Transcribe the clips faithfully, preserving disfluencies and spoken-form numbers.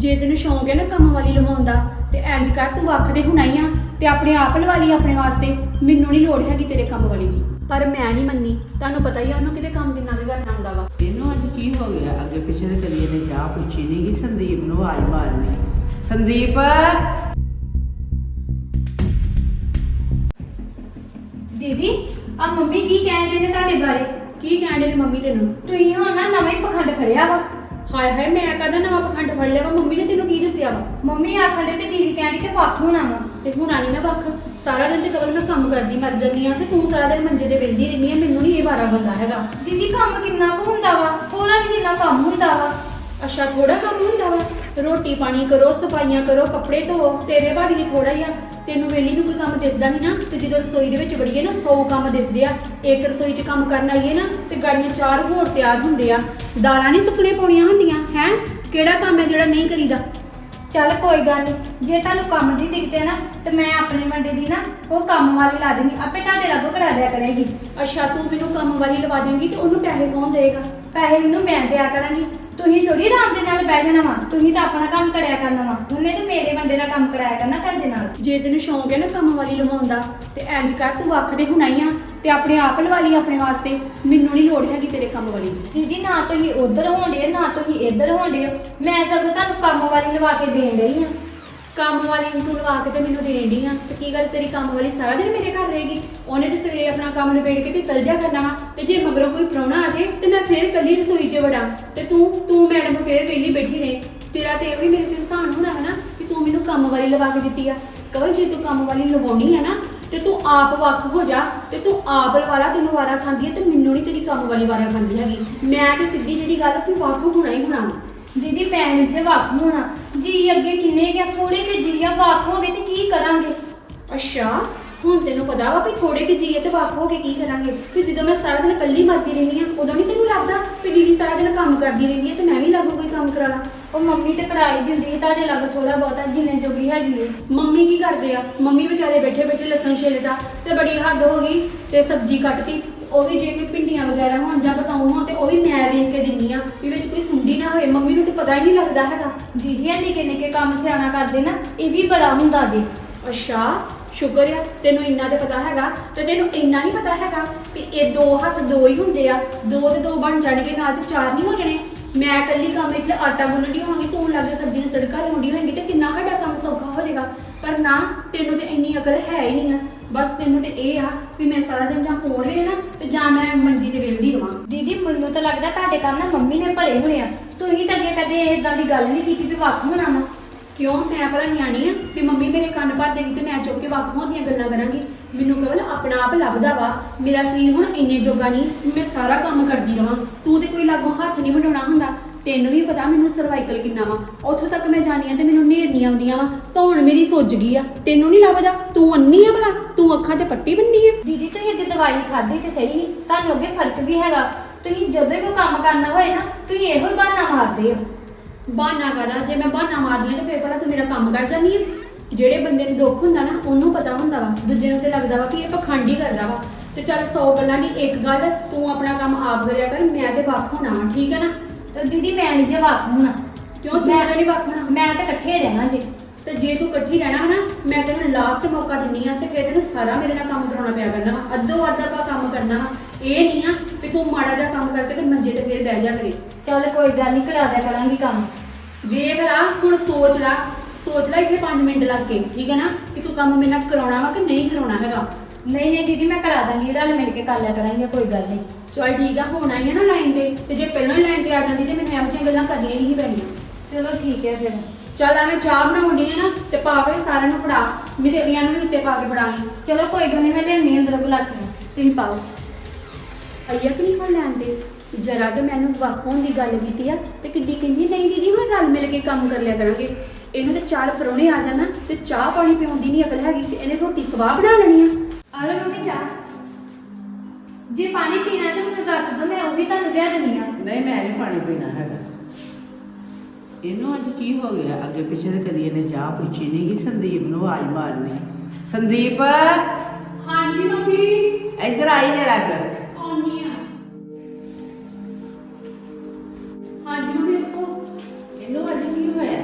ਜੇ ਤੈਨੂੰ ਸ਼ੌਂਕ ਹੈ ਨਾ ਕੰਮ ਵਾਲੀ ਲਵਾਉਣ ਦਾ ਤੇ ਇੰਜ ਕਰ ਤੂੰ ਵੱਖ ਦੇ ਹੁਣਾਈ ਆ ਤੇ ਆਪਣੇ ਆਪ ਲਵਾ ਲਈ ਆਪਣੇ ਵਾਸਤੇ। ਮੈਨੂੰ ਨਹੀਂ ਲੋੜ ਹੈਗੀ ਤੇਰੇ ਕੰਮ ਵਾਲੀ ਦੀ। ਪਰ ਮੈਂ ਨਹੀਂ ਮੰਨੀ, ਤੁਹਾਨੂੰ ਪਤਾ ਹੀ ਆ ਉਹਨੂੰ ਕਿਤੇ ਕੰਮ ਕਿੰਨਾ ਵੀ ਕਰਨਾ ਹੁੰਦਾ ਵਾ। ਇਹਨੂੰ ਅੱਜ ਕੀ ਹੋ ਗਿਆ? ਅੱਗੇ ਪਿੱਛੇ ਤੇ ਕਦੀ ਇਹਨੇ ਚਾਹ ਪੁੱਛੀ ਨਹੀਂ ਕਿ ਸੰਦੀਪ ਨੂੰ ਆਵਾਜ਼ ਮਾਰਨੀ। ਸੰਦੀਪ ਦੀਦੀ ਆ ਮੰਮੀ ਕੀ ਕਹਿੰਦੇ ਨੇ ਤੁਹਾਡੇ ਬਾਰੇ? ਕੀ ਕਹਿੰਦੇ ਨੇ ਮੰਮੀ ਤੈਨੂੰ? ਤੁਸੀਂ ਹੁਣ ਨਾ ਨਵੇਂ ਪਖੰਡ ਫੜਿਆ ਵਾ। ਹਾਏ ਹਾਏ, ਮੈਂ ਕਹਦਾ ਨਵਾਂ ਪਖੰਡ ਫੜ ਲਿਆ ਵਾ? ਮੰਮੀ ਨੇ ਤੈਨੂੰ ਕੀ ਦੱਸਿਆ ਵਾ? ਮੰਮੀ ਆਖਣ ਦੇ ਵੀ ਦੀਦੀ ਕਹਿੰਦੀ ਕਿ ਵੱਖ ਹੋਣਾ ਵਾ। ਤੇ ਹੁਣ ਆਣੀ ਨਾ ਵੱਖ। ਸਾਰਾ ਦਿਨ ਤੇ ਕਵਲ ਮੈਂ ਕੰਮ ਕਰਦੀ ਮਰ ਜਾਂਦੀ ਆ ਤੇ ਤੂੰ ਸਾਰਾ ਦਿਨ ਮੰਜੇ ਤੇ ਵਿਲਦੀ ਰਹਿੰਦੀ ਆ। ਮੈਨੂੰ ਨਹੀਂ ਇਹ ਵਾਰਾ ਬੰਦਾ ਹੈਗਾ। ਦੀਦੀ ਕੰਮ ਕਿੰਨਾ ਕੁ ਹੁੰਦਾ ਵਾ? ਥੋੜਾ ਜਿਹਾ ਕੰਮ ਹੁੰਦਾ ਵਾ। ਅੱਛਾ ਥੋੜਾ ਕੰਮ ਹੁੰਦਾ ਵਾ? ਰੋਟੀ ਪਾਣੀ ਕਰੋ, ਸਫਾਈਆਂ ਕਰੋ, ਕੱਪੜੇ ਧੋ। ਤੇਰੇ ਭਾਰੀ ਥੋੜਾ ਹੀ ਆ। ਤੈਨੂੰ ਵੇਲੀ ਨੂੰ ਕੋਈ ਕੰਮ ਦਿਸਦਾ ਨਹੀਂ ਨਾ। ਤੇ ਜਦੋਂ ਰਸੋਈ ਦੇ ਵਿੱਚ ਵੜੀਏ ਨਾ ਸੌ ਕੰਮ ਦਿਸਦੇ ਆ। ਇੱਕ ਰਸੋਈ 'ਚ ਕੰਮ ਕਰਨ ਆਈਏ ਨਾ ਤੇ ਗਾੜੀਆਂ ਚਾਰ ਹੋਰ ਤਿਆਰ ਹੁੰਦੇ ਆ। ਦਾਲਾਂ ਨਹੀਂ ਸੁੱਕਣੇ ਪਾਉਣੀਆਂ ਹੁੰਦੀਆਂ ਹੈ। ਕਿਹੜਾ ਕੰਮ ਹੈ ਜਿਹੜਾ ਨਹੀਂ ਕਰੀਦਾ? ਚੱਲ ਕੋਈ ਗੱਲ ਨਹੀਂ, ਜੇ ਤੁਹਾਨੂੰ ਕੰਮ ਦੀ ਦਿੱਕਤ ਹੈ ਨਾ ਤੇ ਮੈਂ ਆਪਣੇ ਮੁੰਡੇ ਦੀ ਨਾ ਉਹ ਕੰਮ ਵਾਲੀ ਲਾ ਦੇਣੀ, ਆਪੇ ਤੁਹਾਡੇ ਲਾਗੋਂ ਕਰਾ ਦਿਆ ਕਰੇਗੀ। ਅੱਛਾ ਤੂੰ ਮੈਨੂੰ ਕੰਮ ਵਾਲੀ ਲਵਾ ਦੇਂਗੀ ਤੇ ਉਹਨੂੰ ਪੈਸੇ ਕੌਣ ਦੇਗਾ? ਪੈਸੇ ਇਹਨੂੰ ਮੈਂ ਦਿਆ ਕਰਾਂਗੀ। ਤੁਸੀਂ ਥੋੜੀ ਆਰਾਮ ਦੇ ਨਾਲ ਬਹਿ ਜਾਣਾ ਵਾ। ਤੁਸੀਂ ਤਾਂ ਆਪਣਾ ਕੰਮ ਕਰਿਆ ਕਰਨਾ ਵਾ। ਉਹਨੇ ਤੇ ਮੇਰੇ ਮੁੰਡੇ ਦਾ ਕੰਮ ਕਰਾਇਆ ਕਰਨਾ ਤੁਹਾਡੇ ਨਾਲ। ਜੇ ਤੈਨੂੰ ਸ਼ੌਂਕ ਹੈ ਨਾ ਕੰਮ ਵਾਲੀ ਲਵਾਉਣ ਦਾ ਤੇ ਇੰਜ ਕਰ ਤੂੰ ਵੱਖ ਦੇ ਹੁਣਾਈ ਆ ਤੇ ਆਪਣੇ ਆਪ ਲਵਾ ਲਈ ਆਪਣੇ ਵਾਸਤੇ। ਮੈਨੂੰ ਨਹੀਂ ਲੋੜ ਹੈਗੀ ਤੇਰੇ ਕੰਮ ਵਾਲੀ ਦੀ। ਦੀਦੀ ਨਾ ਤੁਸੀਂ ਉਧਰ ਹੋਂਦੇ ਨਾ ਤੁਸੀਂ ਇੱਧਰ ਹੋਂਦੇ ਹੋ। ਮੈਂ ਸਗੋਂ ਤੁਹਾਨੂੰ ਕੰਮ ਵਾਲੀ ਲਵਾ ਕੇ ਦੇਣ ਰਹੀ ਆ। ਕੰਮ ਵਾਲੀ ਨੂੰ ਤੂੰ ਲਵਾ ਕੇ ਤੇ ਮੈਨੂੰ ਦੇਣ ਡਈ ਆ ਤੇ ਕੀ ਗੱਲ ਤੇਰੀ ਕੰਮ ਵਾਲੀ ਸਾਰਾ ਦਿਨ ਮੇਰੇ ਘਰ ਰਹੇਗੀ? ਉਹਨੇ ਤੇ ਸਵੇਰੇ ਆਪਣਾ ਕੰਮ ਨਿਬੇੜ ਕੇ ਤੇ ਚਲ ਜਾ ਕਰਨਾ ਵਾ। ਤੇ ਜੇ ਮਗਰੋਂ ਕੋਈ ਪ੍ਰਾਹੁਣਾ ਆ ਜੇ ਤੇ ਮੈਂ ਫੇਰ ਕੱਲੀ ਰਸੋਈ 'ਚ ਵੜਾਂ ਤੇ ਤੂੰ ਤੂੰ ਮੈਡਮ ਫੇਰ ਵਿਹਲੀ ਬੈਠੀ ਰਹੇ। ਤੇਰਾ ਤੇ ਇਹ ਵੀ ਮੇਰੇ ਸਿਰ ਸਾਨ ਹੋਣਾ ਵਾ ਨਾ ਕਿ ਤੂੰ ਮੈਨੂੰ ਕੰਮ ਵਾਲੀ ਲਵਾ ਕੇ ਦਿੱਤੀ ਆ। ਕਵਲ ਜੇ ਤੂੰ ਕੰਮ ਵਾਲੀ ਲਵਾਉਣੀ ਆ ਨਾ ਤੇ ਤੂੰ ਆਪ ਵੱਖ ਹੋ ਜਾ ਤੇ ਤੂੰ ਆਪ ਵਾਲਾ ਤੈਨੂੰ ਵਾਰਾ ਖਾਂਦੀ ਆ ਤੇ ਮੈਨੂੰ ਨਹੀਂ ਤੇਰੀ ਕੰਮ ਵਾਲੀ ਵਾਰਾ ਖਾਂਦੀ ਹੈਗੀ। ਮੈਂ ਤੇ ਸਿੱਧੀ ਜਿਹੜੀ ਗੱਲ ਵੀ ਵੱਖ ਹੋਣਾ ਹੀ ਹੋਣਾ। ਦੀਦੀ ਪੈਣ 'ਚ ਵੱਖ ਹੋਣਾ ਜੀ ਅੱਗੇ ਕਿੰਨੇ ਗਿਆ ਥੋੜੇ ਤੇ ਜੀ ਆ ਵੱਖ ਹੋ ਗਏ ਤੇ ਕੀ ਕਰਾਂਗੇ? ਅੱਛਾ ਹੁਣ ਤੈਨੂੰ ਪਤਾ ਵਾ ਵੀ ਥੋੜੇ ਕਿ ਜੀਏ ਤੇ ਵੱਖ ਹੋ ਕੇ ਕੀ ਕਰਾਂਗੇ? ਤੇ ਜਦੋਂ ਮੈਂ ਸਾਰਾ ਦਿਨ ਇਕੱਲੀ ਮਰਦੀ ਰਹਿੰਦੀ ਆ ਉਦੋਂ ਨਹੀਂ ਤੈਨੂੰ ਲੱਗਦਾ ਵੀ ਦੀਦੀ ਸਾਰਾ ਦਿਨ ਕੰਮ ਕਰਦੀ ਰਹਿੰਦੀ ਹੈ ਤੇ ਮੈਂ ਵੀ ਲਾਗੂ ਕੋਈ ਕੰਮ ਕਰਾ ਲਾਂ? ਉਹ ਮੰਮੀ ਤੇ ਕਰਾਈ ਦਿੰਦੀ ਹੈ ਤੁਹਾਡੇ ਲੱਗ ਥੋੜਾ ਬਹੁਤਾ ਜਿੰਨੇ ਜੋਗੀ ਹੈਗੀ ਹੈ। ਮੰਮੀ ਕੀ ਕਰਦੇ ਆ? ਮੰਮੀ ਵਿਚਾਰੇ ਬੈਠੇ ਬੈਠੇ ਲਸਣ ਛਿੱਲਦਾ ਤੇ ਬੜੀ ਹੱਦ ਹੋ ਗਈ ਤੇ ਸਬਜ਼ੀ ਕੱਟਤੀ। ਉਹ ਵੀ ਜੇ ਕੋਈ ਭਿੰਡੀਆਂ ਵਗੈਰਾ ਹੋਣ ਜਾਂ ਬਤਾਉ ਹੋਣ ਤੇ ਉਹ ਵੀ ਮੈਂ ਵੇਖ ਕੇ ਦਿੰਦੀ ਆ ਵੀ ਵਿੱਚ ਕੋਈ ਸੁੰਡੀ ਨਾ ਹੋਏ। ਮੰਮੀ ਨੂੰ ਤੇ ਪਤਾ ਹੀ ਨਹੀਂ ਲੱਗਦਾ ਹੈਗਾ। ਦੀਦੀ ਇਹ ਨਿੱਕੇ ਨਿੱਕੇ ਕੰਮ ਸਿਆਣਾ ਕਰਦੇ ਨਾ ਇਹ ਵੀ ਬੜਾ ਹੁੰਦਾ ਜੀ। ਅੱਛਾ ਸ਼ੁਕਰ ਆ ਤੈਨੂੰ ਇੰਨਾ ਤੇ ਪਤਾ ਹੈਗਾ ਤੇ ਤੈਨੂੰ ਇੰਨਾ ਨਹੀਂ ਪਤਾ ਹੈਗਾ ਵੀ ਇਹ ਦੋ ਹੱਥ ਦੋ ਹੀ ਹੁੰਦੇ ਆ। ਦੋ ਤੇ ਦੋ ਬਣ ਜਾਣਗੇ ਨਾਲ ਤੇ ਚਾਰ ਨਹੀਂ ਹੋ ਜਾਣੇ। ਮੈਂ ਇਕੱਲੀ ਕੰਮ ਇੱਥੇ ਆਟਾ ਗੁੰਨਦੀ ਹੋਵਾਂਗੀ, ਤੂੰ ਲੱਗੇ ਸਬਜ਼ੀ ਨੂੰ ਤੜਕਾ ਲਾਉਂਦੀ ਹੋਏਗੀ ਤੇ ਕਿੰਨਾ ਸਾਡਾ ਕੰਮ ਸੌਖਾ ਹੋ ਜਾਏਗਾ। ਪਰ ਨਾ ਤੈਨੂੰ ਤੇ ਇੰਨੀ ਅਕਲ ਹੈ ਹੀ ਨਹੀਂ ਆ। ਬਸ ਤੈਨੂੰ ਤੇ ਇਹ ਆ ਵੀ ਮੈਂ ਸਾਰਾ ਦਿਨ ਜਾਂ ਫੋਨ ਵੇਖਣਾ ਤੇ ਜਾਂ ਮੈਂ ਮੰਜੀ ਤੇ ਵੇਲਦੀ ਰਵਾਂ। ਦੀਦੀ ਮੈਨੂੰ ਤਾਂ ਲੱਗਦਾ ਤੁਹਾਡੇ ਕੰਮ ਨਾ ਮੰਮੀ ਨੇ ਭਰੇ ਹੋਣੇ ਆ। ਤੁਸੀਂ ਤਾਂ ਅੱਗੇ ਕਦੇ ਇਦਾਂ ਦੀ ਗੱਲ ਨਹੀਂ ਕੀਤੀ ਵੀ ਵੱਖ ਹੋਣਾ ਵਾ। ਕਿਉਂ ਮੈਂ ਭਲਾ ਨਿਆਣੀ ਆ ਵੀ ਮੰਮੀ ਮੇਰੇ ਕੰਨ ਭਰ ਦੇਗੀ ਤੇ ਮੈਂ ਚੁੱਕ ਕੇ ਵੱਖ ਹੋਣ ਦੀਆਂ ਗੱਲਾਂ ਕਰਾਂਗੀ? ਮੈਨੂੰ ਕਵਲ ਆਪਣਾ ਆਪ ਲੱਭਦਾ ਵਾ। ਮੇਰਾ ਸਰੀਰ ਹੁਣ ਇੰਨੇ ਜੋਗਾ ਨਹੀਂ ਮੈਂ ਸਾਰਾ ਕੰਮ ਕਰਦੀ ਰਵਾਂ। ਤੂੰ ਤੇ ਕੋਈ ਲਾਗੋਂ ਹੱਥ ਨਹੀਂ ਵਡਾਉਣਾ ਹੁੰਦਾ। ਤੈਨੂੰ ਵੀ ਪਤਾ ਮੈਨੂੰ ਸਰਵਾਈਕਲ ਕਿੰਨਾ ਵਾ। ਉੱਥੋਂ ਤੱਕ ਮੈਂ ਜਾਣੀ ਆ ਤੇ ਮੈਨੂੰ ਨੇਰਨੀਆਂ ਆਉਂਦੀਆਂ ਵਾ। ਧੌਣ ਮੇਰੀ ਸੁੱਜ ਗਈ ਆ। ਤੈਨੂੰ ਨਹੀਂ ਲੱਭਦਾ? ਤੂੰ ਅੰਨੀ ਆ ਭਲਾ? ਤੂੰ ਅੱਖਾਂ ਤੇ ਪੱਟੀ ਬੰਨੀ ਆ? ਦੀਦੀ ਤੁਸੀਂ ਅੱਗੇ ਦਵਾਈ ਖਾਧੀ ਤੇ ਸਹੀ ਨਹੀਂ, ਤੁਹਾਨੂੰ ਅੱਗੇ ਫਰਕ ਵੀ ਹੈਗਾ। ਤੁਸੀਂ ਜਦੋਂ ਕੋਈ ਕੰਮ ਕਰਨਾ ਹੋਏ ਨਾ ਤੁਸੀਂ ਇਹੋ ਹੀ ਬਹਾਨਾ ਮਾਰਦੇ ਹੋ। ਬਹਾਨਾ ਕਰਾਂ? ਜੇ ਮੈਂ ਬਹਾਨਾ ਮਾਰਦੀ ਆ ਤੇ ਫਿਰ ਭਲਾ ਤੂੰ ਮੇਰਾ ਕੰਮ ਕਰ ਜਾਂਦੀ ਆ? ਜਿਹੜੇ ਬੰਦੇ ਨੂੰ ਦੁੱਖ ਹੁੰਦਾ ਨਾ ਉਹਨੂੰ ਪਤਾ ਹੁੰਦਾ ਵਾ। ਦੂਜੇ ਨੂੰ ਤੇ ਲੱਗਦਾ ਵਾ ਕਿ ਇਹ ਪਖੰਡ ਹੀ ਕਰਦਾ ਵਾ। ਤੇ ਚੱਲ ਸੌ ਗੱਲਾਂ ਦੀ ਇੱਕ ਗੱਲ, ਤੂੰ ਆਪਣਾ ਕੰਮ ਆਪ ਕਰਿਆ ਕਰ। ਮੈਂ ਤੇ ਵੱਖ ਹੋਣਾ ਵਾ, ਠੀਕ ਹੈ ਨਾ? ਤੇ ਦੀਦੀ ਮੈਂ ਨਹੀਂ ਜੇ ਵੱਖ ਹੋਣਾ। ਕਿਉਂ ਤੂੰ ਤਾਂ ਨਹੀਂ ਵੱਖ ਹੋਣਾ? ਮੈਂ ਤਾਂ ਇਕੱਠੇ ਰਹਿਣਾ ਜੀ। ਤੇ ਜੇ ਤੂੰ ਇਕੱਠੀ ਰਹਿਣਾ ਵਾ ਨਾ ਮੈਂ ਤੈਨੂੰ ਲਾਸਟ ਮੌਕਾ ਦਿੰਨੀ ਆ ਤੇ ਫਿਰ ਤੈਨੂੰ ਸਾਰਾ ਮੇਰੇ ਨਾਲ ਕੰਮ ਕਰਾਉਣਾ ਪਿਆ ਕਰਨਾ ਵਾ। ਅੱਧੋ ਅੱਧ ਆਪਾਂ ਕੰਮ ਕਰਨਾ ਵਾ। ਇਹ ਨਹੀਂ ਆ ਵੀ ਤੂੰ ਮਾੜਾ ਜਿਹਾ ਕੰਮ ਕਰਕੇ ਤੇ ਮੰਜੇ ਤੇ ਫਿਰ ਬਹਿ ਜਾ ਕਰੇ। ਚੱਲ ਕੋਈ ਗੱਲ ਨਹੀਂ ਕਰਾ ਦਿਆ ਕਰਾਂਗੀ ਕੰਮ। ਵੇਖ ਲਾ ਹੁਣ, ਸੋਚ ਲਾ ਸੋਚ ਲਾ ਇੱਥੇ ਪੰਜ ਮਿੰਟ ਲੱਗ ਕੇ, ਠੀਕ ਹੈ ਨਾ? ਕਿ ਤੂੰ ਕੰਮ ਮੇਰੇ ਨਾਲ ਕਰਾਉਣਾ ਵਾ ਕਿ ਨਹੀਂ ਕਰਾਉਣਾ ਹੈਗਾ। ਨਹੀਂ ਨਹੀਂ ਦੀਦੀ ਮੈਂ ਕਰਾ ਦਾਂਗੀ, ਰਲ ਮਿਲ ਕੇ ਕਰ ਲਿਆ ਕਰਾਂਗੇ, ਕੋਈ ਗੱਲ ਨਹੀਂ। ਚਲ ਠੀਕ ਆ, ਹੁਣ ਆਈ ਆ ਨਾ ਲਾਈਨ ਤੇ ਤੇ ਜੇ ਪਹਿਲਾਂ ਹੀ ਲਾਈਨ ਤੇ ਆ ਜਾਂਦੀ ਤੇ ਮੈਨੂੰ ਇਹੋ ਜਿਹੀਆਂ ਗੱਲਾਂ ਕਰਨੀਆਂ ਨਹੀਂ ਪੈਣੀਆਂ। ਚਲੋ ਠੀਕ ਹੈ ਫਿਰ। ਚੱਲ ਐਵੇਂ ਚਾਹ ਬਣਾਉਣੀ ਹੈ ਨਾ ਤੇ ਪਾ ਕੇ ਸਾਰਿਆਂ ਨੂੰ ਫੜਾ। ਮਿਸੇਰੀਆਂ ਨੂੰ ਵੀ ਉੱਤੇ ਪਾ ਕੇ ਫੜਾਂਗੀ। ਚਲੋ ਕੋਈ ਗੱਲ ਨਹੀਂ, ਮੈਂ ਲਿਆਉਣੀ ਅੰਦਰ ਗਲਾਸੀਆਂ, ਤੁਸੀਂ ਪਾਓ। ਆਈਆ ਕਿ ਨਹੀਂ ਹੁਣ ਲੈਣ ਤੇ ਜਰਾ ਕਿ ਮੈਨੂੰ ਵੱਖ ਹੋਣ ਦੀ ਗੱਲ ਕੀਤੀ ਆ ਤੇ ਕਿੱਡੀ ਕਹਿੰਦੀ ਨਹੀਂ ਦੀਦੀ ਹੁਣ ਰਲ ਮਿਲ ਕੇ ਕੰਮ ਕਰ ਲਿਆ ਕਰਾਂਗੇ। ਇਹਨੂੰ ਤੇ ਚਾਰ ਪਰੌਣੇ ਆ ਜਾਣਾ ਤੇ ਚਾਹ ਪਾਣੀ ਪਿਆਉਣ ਦੀ ਨਹੀਂ ਅਕਲ ਹੈਗੀ ਤੇ ਇਹਨੇ ਰੋਟੀ ਸਵਾਹ ਬਣਾ ਲੈਣੀ ਆ। ਆ ਲਓ ਮੰਮੀ ਚਾਹ। ਜੇ ਪਾਣੀ ਪੀਣਾ ਤਾਂ ਮੈਨੂੰ ਦੱਸ ਦਿਓ, ਮੈਂ ਉਹ ਵੀ ਤੁਹਾਨੂੰ ਲਿਆ ਦੇਣੀ ਆ। ਨਹੀਂ ਮੈਂ ਨਹੀਂ ਪਾਣੀ ਪੀਣਾ ਹੈਗਾ। ਇਹਨੂੰ ਅੱਜ ਕੀ ਹੋ ਗਿਆ? ਅੱਗੇ ਪਿੱਛੇ ਤੇ ਕਦੀ ਇਹਨੇ ਚਾਹ ਪੁੱਛੀ ਨਹੀਂ ਕਿ ਸੰਦੀਪ ਨੂੰ ਆਵਾਜ਼ ਮਾਰਨੀ। ਸੰਦੀਪ ਹਾਂਜੀ ਮੰਮੀ। ਇੱਧਰ ਆਈ ਜਰਾ ਕਰ। ਆਉਣੀ ਆ। ਹਾਂਜੀ ਮੰਮੀ ਦੱਸੋ। ਇਹਨੂੰ ਅੱਜ ਕੀ ਹੋਇਆ? ਬੜੀ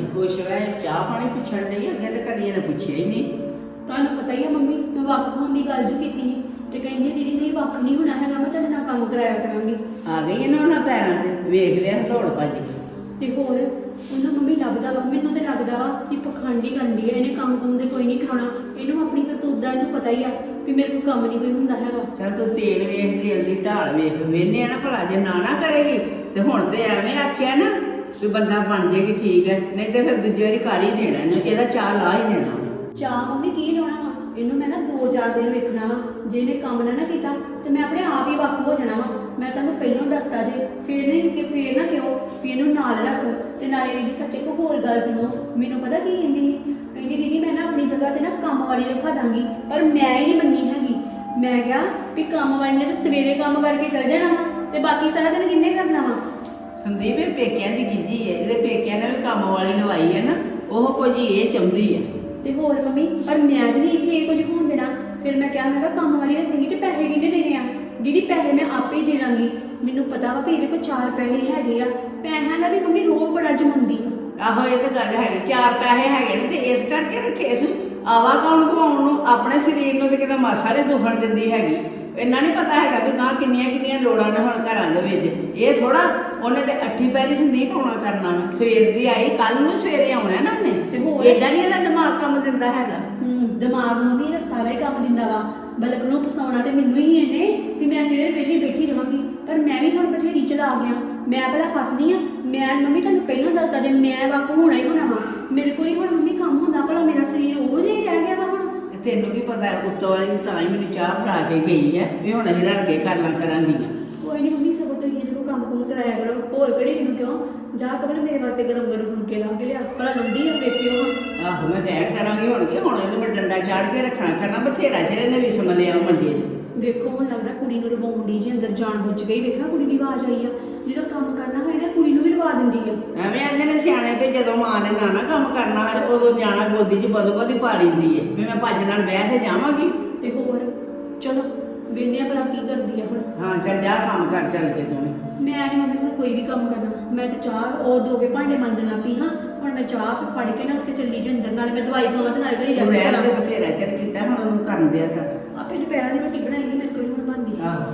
ਖੁਸ਼ ਹੋਇਆ ਚਾਹ ਪਾਣੀ ਪੁੱਛਣ ਲਈ ਅੱਗੇ ਤੇ ਕਦੀ ਇਹਨੇ ਪੁੱਛਿਆ ਹੀ ਨਹੀਂ। ਤੁਹਾਨੂੰ ਪਤਾ ਹੀ ਆ ਮੰਮੀ, ਮੈਂ ਵੱਖ ਹੋਣ ਦੀ ਗੱਲ ਜੋ ਕੀਤੀ ਸੀ ਤੇ ਕਹਿੰਦੀ ਦੀਦੀ ਨਹੀਂ ਵੱਖ ਨਹੀਂ ਹੋਣਾ ਹੈਗਾ, ਮੈਂ ਤੁਹਾਡੇ ਨਾਲ ਕੰਮ ਕਰਾਇਆ ਕਰਾਂਗੀ। ਆ ਗਈ ਇਹਨਾਂ ਉਹਨਾਂ ਪੈਰਾਂ ਤੇ ਵੇਖ ਲਿਆ ਦੌੜ ਭੱਜ ਗਈ। ਤੇ ਹੋਰ ਉਹਨੂੰ ਮੰਮੀ ਲੱਗਦਾ ਵਾ, ਮੈਨੂੰ ਤੇ ਲੱਗਦਾ ਵਾ ਕਿ ਪਖੰਡੀ ਕਰਦੀ ਹੈ, ਇਹਨੇ ਕੰਮ ਕੁੰਮ ਦੇ ਕੋਈ ਨਹੀਂ ਕਰਾਉਣਾ, ਇਹਨੂੰ ਆਪਣੀ ਕਰਤੂਤ ਦਾ ਇਹਨੂੰ ਪਤਾ ਹੀ ਆ ਵੀ ਮੇਰੇ ਕੋਲ ਕੰਮ ਨਹੀਂ ਕੋਈ ਹੁੰਦਾ ਹੈਗਾ। ਚੱਲ ਤੂੰ ਤੇਲ ਵੇਖ, ਤੇਲ ਦੀ ਢਾਲ ਵੇਖ, ਵੇਨੇ ਆ ਨਾ ਭਲਾ ਜੇ ਨਾ ਨਾ ਕਰੇਗੀ ਤੇ ਹੁਣ ਤੇ ਐਵੇਂ ਆਖਿਆ ਨਾ ਵੀ ਬੰਦਾ ਬਣ ਜੇਗੀ ਠੀਕ ਹੈ, ਨਹੀਂ ਤੇ ਫਿਰ ਦੂਜੀ ਵਾਰੀ ਕਰ ਹੀ ਦੇਣਾ ਇਹਨੂੰ, ਇਹਦਾ ਚਾਹ ਲਾ ਹੀ ਦੇਣਾ। ਚਾਹ ਮੰਮੀ ਕੀ ਲਾਉਣਾ ਵਾ, ਇਹਨੂੰ ਮੈਂ ਨਾ ਦੋ ਚਾਰ ਦਿਨ ਵੇਖਣਾ ਵਾ, ਜੇ ਇਹਨੇ ਕੰਮ ਨਾ ਨਾ ਕੀਤਾ ਤੇ ਮੈਂ ਆਪਣੇ ਆਪ ਹੀ ਵੱਖ ਹੋ ਜਾਣਾ ਵਾ। ਮੈਂ ਤੁਹਾਨੂੰ ਪਹਿਲਾਂ ਦੱਸਦਾ ਜੇ, ਫੇਰ ਨਹੀਂ ਕਿ ਫੇਰ ਨਾ ਕਿਉਂ ਵੀ ਇਹਨੂੰ ਨਾਲ ਰੱਖ। ਤੇ ਨਾਲੇ ਦੀਦੀ ਸੱਚੇ ਕੋ ਹੋਰ ਗੱਲ ਸੁਣੋ, ਮੈਨੂੰ ਪਤਾ ਕੀ ਕਹਿੰਦੀ ਸੀ, ਕਹਿੰਦੀ ਦੀਦੀ ਮੈਂ ਨਾ ਆਪਣੀ ਜਗ੍ਹਾ ਤੇ ਨਾ ਕੰਮ ਵਾਲੀ ਰੱਖਾ ਦਾਂਗੀ, ਪਰ ਮੈਂ ਹੀ ਨਹੀਂ ਮੰਨੀ ਹੈਗੀ। ਮੈਂ ਕਿਹਾ ਵੀ ਕੰਮ ਵਾਲੀ ਨੇ ਤਾਂ ਸਵੇਰੇ ਕੰਮ ਕਰਕੇ ਚਲ ਜਾਣਾ ਵਾ ਤੇ ਬਾਕੀ ਸਾਰਾ ਦਿਨ ਕਿੰਨੇ ਕਰਨਾ ਵਾ। ਸੰਦੀਪ ਇਹ ਪੇਕਿਆਂ ਦੀ ਗਿੱਜੀ ਹੈ, ਇਹਦੇ ਪੇਕਿਆਂ ਨੇ ਵੀ ਕੰਮ ਵਾਲੀ ਲਵਾਈ ਹੈ ਨਾ, ਉਹ ਕੁਝ ਇਹ ਚਾਹੁੰਦੀ ਹੈ। ਤੇ ਹੋਰ ਮੰਮੀ, ਪਰ ਮੈਂ ਵੀ ਨਹੀਂ ਇੱਥੇ ਇਹ ਕੁਝ ਹੋਣ ਦੇਣਾ। ਫਿਰ ਮੈਂ ਕਿਹਾ ਮੈਂ ਕਿਹਾ ਕੰਮ ਵਾਲੀ ਰੱਖੇਗੀ ਤੇ ਪੈਸੇ ਕਿੰਨੇ ਦੇਣੇ ਆ? ਦੀਦੀ ਪੈਸੇ ਮੈਂ ਆਪੇ ਹੀ ਦੇਣਾਂਗੀ, ਮੈਨੂੰ ਪਤਾ ਵਾ ਵੀ ਇਹਦੇ ਕੋਲ ਚਾਰ ਪੈਸੇ ਹੈਗੇ ਆ, ਪੈਸਿਆਂ ਦਾ ਵੀ ਮੰਮੀ ਰੋਬ ਬੜਾ ਜਮਾਉਂਦੀ ਆ। ਆਹੋ ਇਹ ਤਾਂ ਗੱਲ ਹੈਗੀ, ਚਾਰ ਪੈਸੇ ਹੈਗੇ ਨੇ ਤੇ ਇਸ ਕਰਕੇ ਰੱਖੇ ਸੂ। ਆਵਾ ਕੌਣ ਗਵਾਉਣ ਨੂੰ, ਆਪਣੇ ਸਰੀਰ ਨੂੰ ਤੇ ਕਿਤੇ ਮਾਸਾ ਨਹੀਂ ਦੁਖਣ ਦਿੰਦੀ ਹੈਗੀ। ਇਹਨਾਂ ਨਹੀਂ ਪਤਾ ਹੈਗਾ ਵੀ ਗਾਂ ਕਿੰਨੀਆਂ ਕਿੰਨੀਆਂ ਲੋੜਾਂ ਨੇ ਹੁਣ ਘਰਾਂ ਦੇ ਵਿੱਚ। ਇਹ ਥੋੜਾ ਉਹਨੇ ਤੇ ਅੱਠੀ ਪੈਰੀ ਸੰਦੀਪ ਹੋਣਾ ਕਰਨਾ ਵਾ, ਸਵੇਰ ਦੀ ਆਈ ਕੱਲ ਨੂੰ ਸਵੇਰੇ ਆਉਣਾ ਨਾ ਉਹਨੇ, ਤੇ ਹੋਰ ਏਡਾ ਨਹੀਂ ਇਹਦਾ ਦਿਮਾਗ ਕੰਮ ਦਿੰਦਾ ਹੈਗਾ। ਹੂੰ ਦਿਮਾਗ ਮੰਮੀ ਇਹਦਾ ਸਾਰਾ ਹੀ ਕੰਮ ਦਿੰਦਾ ਵਾ, ਬਲਕ ਨੂੰ ਫਸਾਉਣਾ ਤੇ ਮੈਨੂੰ ਹੀ ਇਹਨੇ ਵੀ ਮੈਂ ਫਿਰ ਵਿਹਲੀ ਬੈਠੀ ਰਵਾਂਗੀ। ਪਰ ਮੈਂ ਵੀ ਹੁਣ ਬਥੇਰੀ ਚਲਾ ਗਿਆ, ਮੈਂ ਪਹਿਲਾਂ ਫਸਦੀ ਆ। ਮੈਂ ਮੰਮੀ ਤੁਹਾਨੂੰ ਪਹਿਲਾਂ ਦੱਸਦਾ ਜੇ ਮੈਂ ਵੱਖ ਹੋਣਾ ਹੀ ਹੋਣਾ ਵਾ, ਮੇਰੇ ਕੋਲ ਹੀ ਹੁਣ ਮੰਮੀ ਕੰਮ ਹੁੰਦਾ, ਭਲਾ ਮੇਰਾ ਸਰੀਰ ਉਹ ਜਿਹਾ ਹੀ ਰਹਿ ਗਿਆ ਵਾ ਹੁਣ। ਤੇ ਤੈਨੂੰ ਕੀ ਪਤਾ ਉੱਤੋਂ ਵਾਲੀ ਦੀ ਤਾਂ ਹੀ ਮੈਨੂੰ ਚਾਹ ਫੜਾ ਕੇ ਗਈ ਹੈ ਵੀ ਹੁਣ ਅਸੀਂ ਰਲ ਕੇ ਕਰ ਲਾਂ ਕਰਾਂਗੀਆਂ। ਕੋਈ ਨਹੀਂ ਮੰਮੀ, ਸਗੋਂ ਤੁਸੀਂ ਇਹਦੇ ਕੋਲ ਕੰਮ ਕੁੰਮ ਕਰਾਇਆ ਕਰੋ, ਹੋਰ ਕਿਹੜੀ ਇਹਨੂੰ ਕਿਉਂ ਜਾ ਕਬਲ ਮੇਰੇ ਵਾਸਤੇ ਗਰਮ ਗਰਮ ਫੁਲਕੇ ਲਾ ਕੇ ਲਿਆ, ਭਲਾ ਲੰਦੀ ਆ ਵੇਖਿਓ ਹੁਣ। ਆਹੋ ਮੈਂ ਕਹਿ ਕਰਾਂਗੀ ਹੁਣ ਕਿ ਹੁਣ ਇਹਨੂੰ ਮੈਂ ਡੰਡਾ ਚਾੜ ਕੇ ਰੱਖਣਾ ਕਰਨਾ ਬਥੇਰਾ ਚਿਰ ਇਹਨੇ ਵੀ ਸਮਲਿਆ ਮੰਜੇ ਤੇ। ਵੇਖੋ ਹੁਣ ਲੱਗਦਾ ਕੁੜੀ ਨੂੰ ਰਵਾਉਣ ਦੀ ਜੀ, ਅੰਦਰ ਜਾਣ ਬੁੱਝ ਗਈ। ਵੇਖਿਆ ਕੁੜੀ ਦੀ ਆਵਾਜ਼ ਆਈ ਆ, ਜਦੋਂ ਕੰਮ ਕਰਨਾ ਹੋਏ ਨਾ ਕੁੜੀ ਨੂੰ ਵੀ ਰਵਾ ਦਿੰਦੀ ਆ। ਐਵੇਂ ਆਂਦੇ ਨੇ ਸਿਆਣੇ ਵੀ ਜਦੋਂ ਮਾਂ ਨੇ ਨਾ ਨਾ ਕੰਮ ਕਰਨਾ ਹੋਏ ਉਦੋਂ ਨਿਆਣਾ ਗੋਦੀ 'ਚ ਬਦੋ ਬਦੀ ਪਾ ਲੈਂਦੀ ਏ ਵੀ ਮੈਂ ਭੱਜ ਨਾਲ ਬਹਿ ਤੇ ਜਾਵਾਂਗੀ। ਤੇ ਹੋਰ ਚਲੋ ਵੇਖਦੇ ਆ ਭਲਾ ਕੀ ਕਰਦੀ ਆ ਹੁਣ। ਹਾਂ ਚੱਲ ਜਾ ਕੰਮ ਕਰ ਚੱਲ ਕੇ ਤੂੰ। ਮੈਂ ਨਹੀਂ ਮੰਮੀ ਹੁਣ ਕੋਈ ਵੀ ਕੰਮ ਕਰਨਾ, ਮੈਂ ਤੇ ਚਾਹ ਉਹ ਦੋ ਕੇ ਭਾਂਡੇ ਮਾਂਜਣ ਲੱਗ ਪਈ ਹਾਂ। ਹੁਣ ਮੈਂ ਚਾਹ ਫੜ ਕੇ ਨਾ ਉੱਤੇ ਚੱਲੀ ਜੇ ਅੰਦਰ, ਨਾਲੇ ਮੈਂ ਦਵਾਈ ਖਾਵਾਂ ਤੇ ਨਾਲੇ ਘੜੀ ਰੈਸਟ ਰਹਿਣ ਕਰਾਂ। ਦੇ ਬਥੇਰਾ ਚਿਰ ਕੀਤਾ ਹੁਣ ਉਹਨੂੰ ਕਰਨ ਦਿਆ ਕਰ। ਆਪੇ ਦੁਪਹਿਰਾਂ ਦੀ ਰੋਟੀ ਬਣਾਏਗੀ, ਮੇਰੇ ਕੋਲ ਹੁਣ ਬਣਦੀ ਆ। ਆਹੋ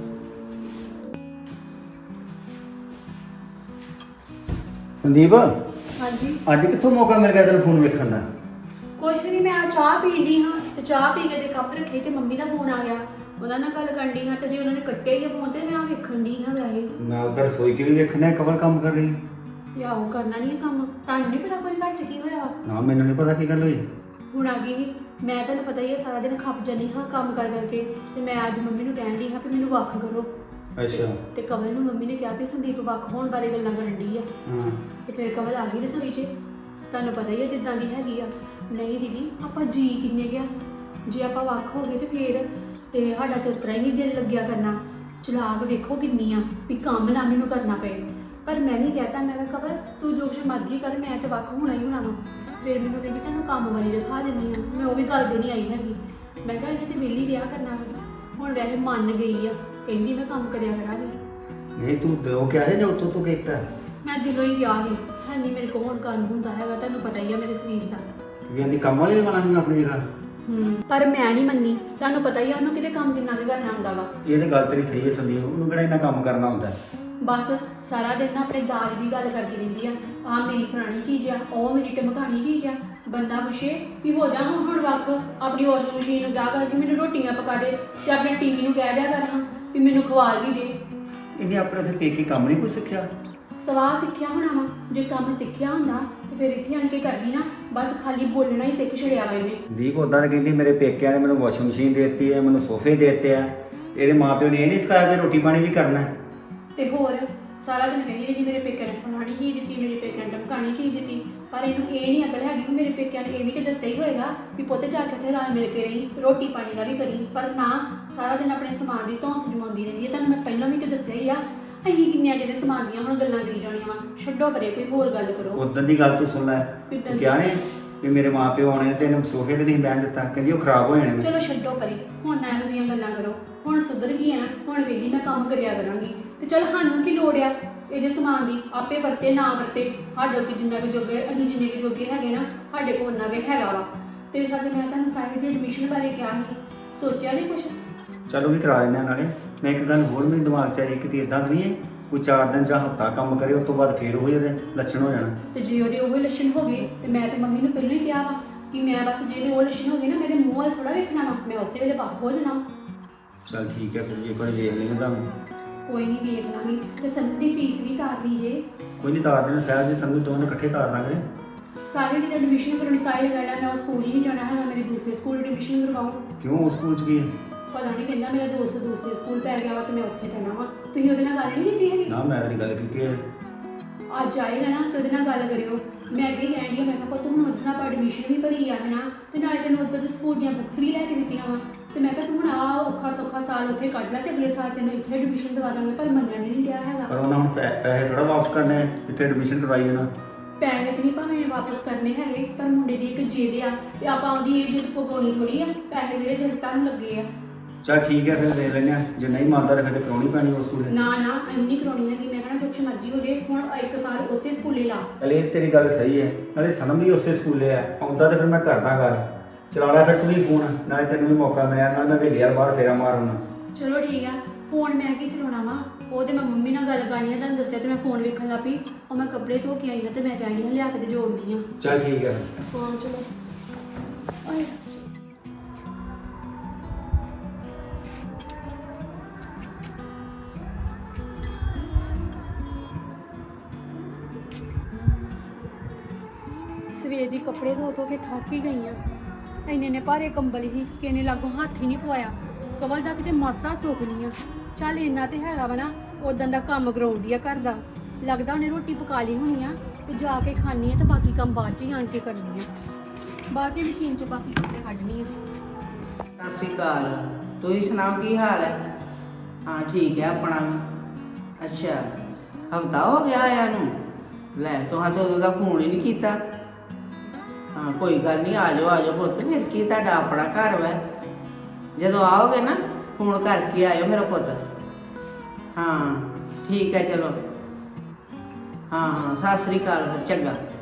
ਸੰਦੀਪ ਹਾਂਜੀ ਅੱਜ ਕਿੱਥੋਂ ਮੌਕਾ ਮਿਲ ਗਿਆ ਤੈਨੂੰ ਫੋਨ ਵੇਖਣ ਦਾ? ਕੁਛ ਵੀ ਨਹੀਂ, ਮੈਂ ਆ ਚਾਹ ਪੀਣ ਡਈ ਹਾਂ ਤੇ ਚਾਹ ਪੀ ਕੇ ਜੇ ਕੱਪ ਰੱਖੇ ਤੇ ਮੰਮੀ ਦਾ ਫੋਨ ਆ ਗਿਆ, ਉਹਨਾਂ ਨਾਲ ਗੱਲ ਕਰਨ ਡਈ ਹਾਂ ਤੇ ਜੇ ਉਹਨਾਂ ਨੇ ਕੱਟਿਆ ਹੀ ਫੋਨ ਤੇ ਮੈਂ ਆ ਵੇਖਣ ਡਈ ਹਾਂ ਵੈਸੇ। ਮੈਂ ਉਧਰ ਰਸੋਈ 'ਚ ਵੀ ਵੇਖਣਾ ਕਵਲ ਕੰਮ ਕਰ ਰਹੀ। ਯਾ ਉਹ ਕਰਨਾ ਨਹੀਂ ਕੰਮ, ਤੁਹਾਨੂੰ ਨਹੀਂ ਪਤਾ ਕੋਈ ਘਰ ਚ ਕੀ ਹੋਇਆ ਵਾ। ਨਾ ਮੈਨੂੰ ਨਹੀਂ ਪਤਾ ਕੀ ਗੱਲ ਹੋਈ। ਹੁਣ ਆ ਗਈ ਮੈਂ, ਤੁਹਾਨੂੰ ਪਤਾ ਹੀ ਹੈ ਸਾਰਾ ਦਿਨ ਖੱਪ ਜਾਂਦੀ ਹਾਂ ਕੰਮ ਕਰ ਕਰਕੇ, ਤੇ ਮੈਂ ਅੱਜ ਮੰਮੀ ਨੂੰ ਕਹਿਣ ਡਈ ਹਾਂ ਕਿ ਮੈਨੂੰ ਵੱਖ ਕਰੋ। ਅੱਛਾ। ਤੇ ਕਵਲ ਨੂੰ ਮੰਮੀ ਨੇ ਕਿਹਾ ਵੀ ਸੰਦੀਪ ਵੱਖ ਹੋਣ ਬਾਰੇ ਗੱਲਾਂ ਕਰਨ ਡਈ ਆ। ਹਾਂ ਤੇ ਫਿਰ ਕਵਲ ਆ ਗਈ ਰਸੋਈ 'ਚ, ਤੁਹਾਨੂੰ ਪਤਾ ਹੀ ਹੈ ਜਿੱਦਾਂ ਦੀ ਹੈਗੀ ਆ। ਨਹੀਂ ਦੀਦੀ ਆਪਾਂ ਜੀ ਕਿੰਨੇ ਗਿਆ, ਜੇ ਆਪਾਂ ਵੱਖ ਹੋ ਗਏ ਤੇ ਫਿਰ ਤੇ ਸਾਡਾ ਤੇ ਉਤਰਾ ਹੀ ਨਹੀਂ ਦਿਲ ਲੱਗਿਆ ਕਰਨਾ। ਚਲਾਕ ਵੇਖੋ ਕਿੰਨੀ ਆ ਵੀ ਕੰਮ ਨਾ ਮੈਨੂੰ ਕਰਨਾ ਪਏ। ਪਰ ਮੈਂ ਨਹੀਂ ਕਹਿਤਾ, ਮੈਂ ਕਿਹਾ ਕਵਲ ਤੂੰ ਜੋ ਕੁਛ ਮਰਜ਼ੀ ਕਰ, ਮੈਂ ਤੇ ਵੱਖ ਹੋਣਾ ਹੀ ਹੋਣਾ ਵਾ। ਫਿਰ ਮੈਨੂੰ ਕਹਿੰਦੀ ਤੈਨੂੰ ਕੰਮ ਵਾਲੀ ਦਿਖਾ ਦਿੰਦੀ ਆ। ਮੈਂ ਉਹ ਵੀ ਗੱਲ ਦੇ ਨਹੀਂ ਆਈ ਹੈਗੀ, ਮੈਂ ਕਿਹਾ ਇਹਨੇ ਤੇ ਵਿਹਲੀ ਰਿਹਾ ਕਰਨਾ ਵਾ। ਹੁਣ ਵੈਸੇ ਮੰਨ ਗਈ ਆ, ਕਹਿੰਦੀ ਮੈਂ ਕੰਮ ਕਰਿਆ ਕਰਾਂਗੀ। ਨਹੀਂ ਤੂੰ ਦਿਓ ਕਿਹਾ ਹੈ ਜਾਂ ਉਤੋਂ ਤੂੰ ਕੀਤਾ? ਮੈਂ ਦਿਲੋਂ ਹੀ ਕਿਹਾ ਸੀ, ਹੈ ਨਹੀਂ ਮੇਰੇ ਕੋਲ ਹੁਣ ਕੰਮ ਹੁੰਦਾ ਹੈਗਾ, ਤੁਹਾਨੂੰ ਪਤਾ ਹੀ ਆ ਮੇਰੇ ਸਰੀਰ ਦਾ। ਵੀ ਆਂਦੀ ਕੰਮ ਵਾਲੀ ਲਗਾਉਣਾ ਸੀ ਆਪਣੀ ਜਗ੍ਹਾ। ਹੂੰ ਪਰ ਮੈਂ ਨਹੀਂ ਮੰਨੀ, ਤੁਹਾਨੂੰ ਪਤਾ ਹੀ ਆ ਉਹਨੂੰ ਕਿਤੇ ਕੰਮ ਜਿੰਨਾ ਵੀ ਕਰਨਾ ਹੁੰਦਾ ਵਾ। ਇਹ ਤੇ ਗੱਲ ਤੇਰੀ ਸਹੀ ਹੈ ਸੰਦੀਪ, ਉਹਨੂੰ ਕਿਹੜਾ ਇੰਨਾ ਕੰਮ ਕਰਨਾ ਹੁੰਦਾ। ਬਸ ਸਾਰਾ ਦਿਨ ਨਾ ਆਪਣੇ ਦਾਜ ਦੀ ਗੱਲ ਕਰਦੀ ਰਹਿੰਦੀ ਆ, ਆਹ ਮੇਰੀ ਪੁਰਾਣੀ ਚੀਜ਼ ਆ, ਉਹ ਮੇਰੀ ਟਮਕਾਣੀ ਚੀਜ਼ ਆ। ਬੰਦਾ ਪੁੱਛੇ ਵੀ ਹੋ ਜਾ ਹੁਣ ਵੱਖ, ਆਪਣੀ ਵਾਸ਼ਿੰਗ ਮਸ਼ੀਨ ਨੂੰ ਜਾ ਕਰਕੇ ਮੈਨੂੰ ਰੋਟੀਆਂ ਪਕਾ ਦੇ, ਤੇ ਆਪਣੇ ਟੀਵੀ ਨੂੰ ਕਹਿ ਦਿਆ ਕਰਨਾ ਵੀ ਮੈਨੂੰ ਖਵਾਲ ਵੀ ਦੇ। ਇਹਨੇ ਆਪਣੇ ਉੱਥੇ ਪੇਕੇ ਕੰਮ ਨਹੀਂ ਕੋਈ ਸਿੱਖਿਆ? ਸਵਾਹ ਸਿੱਖਿਆ ਹੋਣਾ ਵਾ, ਜੇ ਕੰਮ ਸਿੱਖਿਆ ਹੁੰਦਾ ਤੇ ਫਿਰ ਇੱਥੇ ਆਣ ਕੇ ਕਰਦੀ ਨਾ, ਬਸ ਖਾਲੀ ਬੋਲਣਾ ਹੀ ਸਿੱਖ ਛੜਿਆ ਵਾ ਇਹਨੇ। ਦੀਪ ਉਦਾਂ ਤਾਂ ਕਹਿੰਦੀ ਮੇਰੇ ਪੇਕਿਆਂ ਨੇ ਮੈਨੂੰ ਵਾਸ਼ਿੰਗ ਮਸ਼ੀਨ ਦੇ ਦਿੱਤੀ ਹੈ, ਮੈਨੂੰ ਸੋਫੇ ਦੇ ਦਿੱਤੇ ਆ। ਇਹਦੇ ਮਾਪਿਓ ਨੇ ਇਹ ਨਹੀਂ ਸਿਖਾਇਆ ਕਿ ਰੋਟੀ ਪਾਣੀ ਵੀ ਕਰਨਾ। ਤੇ ਹੋਰ ਸਾਰਾ ਦਿਨ ਕਹਿੰਦੀ ਰਹੀ ਮੇਰੇ ਪੇਕਿਆਂ ਨੇ ਫਲਾਣੀ ਚੀਜ਼ ਦਿੱਤੀ, ਮੇਰੇ ਪੇਕਿਆਂ ਨੇ ਟਮਕਾਣੀ ਚੀਜ਼ ਦਿੱਤੀ। ਪਰ ਇਹਨੂੰ ਇਹ ਨਹੀਂ ਅਕਲ ਹੈਗੀ ਕਿ ਮੇਰੇ ਪੇਕਿਆਂ ਨੇ ਇਹ ਵੀ ਤੇ ਦੱਸਿਆ ਹੀ ਹੋਏਗਾ ਵੀ ਪੁੱਤ ਜਾ ਕੇ ਉੱਥੇ ਰਲ ਮਿਲ ਕੇ ਰਹੀ, ਰੋਟੀ ਪਾਣੀ ਦਾ ਵੀ ਕਰੀ। ਪਰ ਨਾ, ਸਾਰਾ ਦਿਨ ਆਪਣੇ ਸਮਾਨ ਦੀ ਧੌਂਸ ਜਮਾਉਂਦੀ ਰਹਿੰਦੀ ਹੈ। ਤੁਹਾਨੂੰ ਮੈਂ ਪਹਿਲਾਂ ਵੀ ਤੇ ਦੱਸਿਆ ਹੀ ਆ, ਅਸੀਂ ਕਿੰਨੀਆਂ ਜਿਹੜੇ ਸਮਾਨ ਦੀਆਂ ਹੁਣ ਗੱਲਾਂ ਕਰੀ ਜਾਣੀਆਂ ਵਾ। ਛੱਡੋ ਪਰੇ, ਕੋਈ ਹੋਰ ਗੱਲ ਕਰੋ। ਉਦੋਂ ਦੀ ਗੱਲ ਤੂੰ ਸੁਣ ਲੈ, ਤੂੰ ਕਿਹਾ ਨੇ ਵੀ ਮੇਰੇ ਮਾਪਿਓ ਆਉਣੇ ਤੇ ਇਹਨੂੰ ਸੋਫੇ ਤੇ ਨਹੀਂ ਬਹਿਣ ਦਿੱਤਾ, ਕਹਿੰਦੀ ਉਹ ਖਰਾਬ ਹੋ ਜਾਣੇ। ਚਲੋ ਛੱਡੋ ਪਰੇ, ਹੁਣ ਨਾ ਇਹੋ ਜਿਹੀਆਂ ਗੱਲਾਂ ਕਰੋ। ਹੁਣ ਸੁਧਰ ਗਈ ਆ ਨਾ, ਹੁਣ ਵੇਲੀ ਮੈਂ ਕੰਮ ਕਰਿਆ ਕਰਾਂਗੀ। ਤੇ ਚਲ ਸਾਨੂੰ ਕੀ ਲੋੜ ਆ, ਇਹਦੇ ਸਮਾਨ ਦੀ ਆਪੇ ਵਰਤੇ ਨਾ ਵਰਤੇ ਸਾਡੇ ਕੋਲ ਜਿੰਨਾ ਕੁ ਜੋਗੇ ਅਸੀਂ ਜਿੰਨੇ ਕੁ ਜੋਗੇ ਹੈਗੇ ਨਾ ਸਾਡੇ ਕੋਲ ਉਹਨਾਂ ਕੁ ਹੈਗਾ ਵਾ ਤੇ ਸੱਚ ਮੈਂ ਤੁਹਾਨੂੰ ਸਾਹਿਲ ਦੀ ਐਡਮਿਸ਼ਨ ਬਾਰੇ ਕਿਹਾ ਸੀ ਸੋਚਿਆ ਨਹੀਂ ਕੁਛ? ਚਲੋ ਵੀ ਕਰਾ ਲੈਂਦੇ ਹਾਂ ਨਾਲੇ। ਮੈਂ ਇੱਕ ਗੱਲ ਹੋਰ ਮੇਰੇ ਦਿਮਾਗ 'ਚ ਆਈ, ਕਿਤੇ ਇਦਾਂ ਨਹੀਂ ਹੈ ਕੋਈ ਚਾਰ ਦਿਨ ਜਾਂ ਹਫ਼ਤਾ ਕੰਮ ਕਰੇ ਉਸ ਤੋਂ ਬਾਅਦ ਫੇਰ ਉਹ ਜਿਹੇ ਲੱਛਣ ਹੋ ਜਾਣ। ਤੇ ਜੇ ਉਹਦੇ ਉਹ ਲੱਛਣ ਹੋ ਗਏ ਤੇ ਮੈਂ ਤੇ ਮੰਮੀ ਨੂੰ ਪਹਿਲਾਂ ਹੀ ਕਿਹਾ ਵਾ ਕਿ ਮੈਂ ਬਸ ਜਿਹੜੇ ਉਹ ਲੱਛਣ ਹੋ ਗਏ ਨਾ ਮੇਰੇ ਮੂੰਹ ਵੱਲ ਥੋੜਾ ਵੇਖਣਾ ਵਾ, ਮੈਂ ਉਸੇ ਵੇਲੇ ਵੱਖ ਹੋ ਜਾਣਾ। ਚਲ ਠੀਕ ਹੈ ਫਿਰ ਜੇ ਕੋਈ ਵੇਖ ਲੈਂਦੇ ਤੁਹਾਨੂੰ। ਕੋਈ ਨਹੀਂ ਵੇਖ ਲਾਂਗੀ ਤੇ ਸੰਤ ਦੀ ਫੀਸ ਵੀ ਤਾਰ ਲਈ ਜੇ। ਕੋਈ ਨਹੀਂ ਤਾਰ ਦੇਣਾ, ਸਾਹਿਬ ਜੀ ਸਮਝ ਦੋਵੇਂ ਇਕੱਠੇ ਤਾਰ ਲਾਂਗੇ। ਸਾਹਿਲ ਦੀ ਐਡਮਿਸ਼ਨ ਕਰਾਉਣੀ, ਸਾਹਿਲ ਕਹਿਣਾ ਮੈਂ ਉਹ ਸਕੂਲ ਹੀ ਨਹੀਂ ਜਾਣਾ ਹੈਗਾ, ਮੇਰੇ ਦੂਸਰੇ ਸਕੂਲ ਐਡਮਿਸ਼ਨ ਕਰਵਾਉਂ। ਕਿਉਂ ਉਸ ਸਕੂਲ 'ਚ ਕੀ ਹੈ? ਪਤਾ ਨਹੀਂ ਕਹਿੰਦਾ ਮੇਰਾ ਦੋਸਤ ਦੂਸਰੇ ਸਕੂਲ ਪੈ ਗਿਆ ਵਾ ਤੇ ਮੈਂ ਉੱਥੇ ਰਹਿਣਾ ਵਾ। ਤੁਸੀਂ ਉਹਦੇ ਨਾਲ ਗੱਲ ਨਹੀਂ ਕੀਤੀ ਹੈਗੀ? ਨਾ ਮੈਂ ਤੇਰੀ ਗੱਲ ਕੀਤੀ ਹੈ। ਅੱਜ ਆਏਗਾ ਨਾ ਤੇ ਉਹਦੇ ਨਾਲ ਗੱਲ ਕਰਿਓ। ਮੈਂ ਅੱਗੇ ਕਹਿਣ ਡਈ ਮੈਂ ਕਿਹਾ ਪੁੱਤ ਹੁਣ ਉਹਦੇ ਨਾਲ ਐਡਮਿਸ਼ਨ ਵੀ ਭਰੀ ਆ ਹੈ ਨਾ ਤੇ ਨਾਲੇ ਤੈਨੂੰ ਉੱਧਰ ਦੇ ਸਕੂਲ ਦੀਆਂ ਬੁੱਕਸ ਵੀ ਲੈ ਕੇ ਦਿੱਤੀਆਂ ਵਾ ਤੇ ਮੈਂ ਕਿਹਾ ਤੂੰ ਹੁਣ ਆ ਔਖਾ ਸੌਖਾ ਸਾਲ ਉੱਥੇ ਕੱਢ ਲੈ ਤੇ ਅਗਲੇ ਸਾਲ ਤੈਨੂੰ ਇੱਥੇ ਐਡਮਿਸ਼ਨ ਦਵਾ ਦਾਂਗੇ। ਪਰ ਮੰਨਣ ਨਹੀਂ ਡਿਆ ਹੈਗਾ। ਪਰ ਉਹਨਾਂ ਹੁਣ ਪੈ- ਪੈਸੇ ਥੋੜਾ ਵਾਪਸ ਕਰਨੇ ਆ, ਇੱਥੇ ਐਡਮਿਸ਼ਨ ਕਰਵਾਈ ਨਾ। ਪੈਸੇ ਤੇ ਨਹੀਂ ਭਾਵੇਂ ਵਾਪਸ ਕਰਨੇ ਹੈਗੇ ਪਰ ਮੁੰਡੇ ਦੀ ਇੱਕ ਜਿੱਦ ਆ ਤੇ ਆਪਾਂ ਉਹਦੀ ਇਹ ਜਿੱਦ ਪਗਾਉਣੀ ਥੋੜੀ ਆ। ਪੈਸੇ ਜਿਹੜੇ ਦਿਲ ਤੱਕ ਲੱਗੇ ਆ। ਚਲ ਠੀਕ ਹੈ ਫਿਰ ਦੇਖ ਲੈਂਦੇ ਹਾਂ, ਜੇ ਨਹੀਂ ਮੰਨਦਾ ਤਾਂ ਫਿਰ ਕਰਾਉਣੀ ਪੈਣੀ ਉਸ ਸਕੂਲ। ਨਾ ਨਾ ਅਸੀਂ ਨਹੀਂ ਕਰਾਉਣੀ ਹੈਗੀ। ਮੈਂ ਕਹਿਣਾ ਕੁਛ ਮਰਜ਼ੀ ਹੋ ਜੇ ਹੁਣ ਇੱਕ ਸਾਲ ਉਸੇ ਸਕੂਲੇ ਲਾ। ਅਲੇ ਤੇਰੀ ਗੱਲ ਸਹੀ ਹੈ, ਨਾਲੇ ਸਨਮ ਵੀ ਉਸੇ ਸਕੂਲੇ ਆ, ਆਉਂਦਾ ਤਾਂ ਫਿਰ ਮੈਂ ਕਰਦਾ ਗੱਲ। ਚਲਾ ਲਿਆ ਫਿਰ ਤੂੰ ਵੀ ਫੋਨ, ਨਾਲੇ ਤੈਨੂੰ ਵੀ ਮੌਕਾ ਮਿਲਿਆ, ਨਾਲ ਮੈਂ ਵੇਲੇ ਯਾਰ ਬਾਹਰ ਫੇਰਾ ਮਾਰਨਾ। ਚਲੋ ਠੀਕ ਆ। ਫੋਨ ਮੈਂ ਕੀ ਚਲਾਉਣਾ ਵਾ, ਉਹ ਤੇ ਮੈਂ ਮੰਮੀ ਨਾਲ ਗੱਲ ਕਰਨੀ ਆ, ਤੁਹਾਨੂੰ ਦੱਸਿਆ ਤੇ ਮੈਂ ਫੋਨ ਵੇਖਣ ਲੱਗ ਪਈ। ਉਹ ਮੈਂ ਕੱਪੜੇ ਧੋ ਕੇ ਆਈ ਹਾਂ ਤੇ ਮੈਂ ਕਹਿਣੀ ਹਾਂ ਲਿਆ ਕੇ ਤੇ ਜੋੜਨੀ ਆ। ਚਲ ਠੀਕ ਹੈ। ਹਾਂ ਚਲੋ। ਆਏ ਸਵੇਰ ਦੀ ਕੱਪੜੇ ਧੋ ਧੋ ਕੇ ਥੱਕ ਹੀ ਗਈ ਆ। ਇੰਨੇ ਨੇ ਭਾਰੇ ਕੰਬਲ ਹੀ ਕਿ ਇਹਨੇ ਲਾਗੋਂ ਹੱਥ ਹੀ ਨਹੀਂ ਪਵਾਇਆ। ਕਵਲ ਦਾ ਕਿਤੇ ਮਾਸਾ ਸੁੱਕ ਨਹੀਂ ਆ। ਚੱਲ ਇੰਨਾ ਤੇ ਹੈਗਾ ਵਾ ਨਾ, ਉਦੋਂ ਦਾ ਕੰਮ ਕਰਾਉਂਦੀ ਆ ਘਰ ਦਾ। ਲੱਗਦਾ ਉਹਨੇ ਰੋਟੀ ਪਕਾ ਲਈ ਹੋਣੀ ਆ ਤੇ ਜਾ ਕੇ ਖਾਣੀ ਆ ਤੇ ਬਾਕੀ ਕੰਮ ਬਾਅਦ 'ਚ ਹੀ ਆਣ ਕੇ ਕਰਨੀ ਆ। ਬਾਅਦ 'ਚ ਮਸ਼ੀਨ 'ਚ ਬਾਕੀ ਕੱਪੜੇ ਕੱਢਣੀ ਆ। ਸਤਿ ਸ਼੍ਰੀ ਅਕਾਲ। ਤੁਸੀਂ ਸੁਣਾਓ ਕੀ ਹਾਲ ਹੈ? ਹਾਂ ਠੀਕ ਹੈ ਆਪਣਾ ਵੀ। ਅੱਛਾ ਹਫ਼ਤਾ ਹੋ ਗਿਆ ਆਇਆ ਨੂੰ? ਲੈ ਤੁਹਾਂ ਤਾਂ ਉਦੋਂ ਦਾ ਫੋਨ ਹੀ ਨਹੀਂ ਕੀਤਾ। ਹਾਂ ਕੋਈ ਗੱਲ ਨਹੀਂ, ਆ ਜਾਓ ਆ ਜਾਓ ਪੁੱਤ, ਫਿਰ ਕੀ ਤੁਹਾਡਾ ਆਪਣਾ ਘਰ ਵਾ। ਜਦੋਂ ਆਓਗੇ ਨਾ ਫੋਨ ਕਰਕੇ ਆਇਓ ਮੇਰਾ ਪੁੱਤ। ਹਾਂ ਠੀਕ ਹੈ ਚਲੋ। ਹਾਂ ਹਾਂ ਸਤਿ ਸ਼੍ਰੀ ਅਕਾਲ ਫਿਰ, ਚੰਗਾ।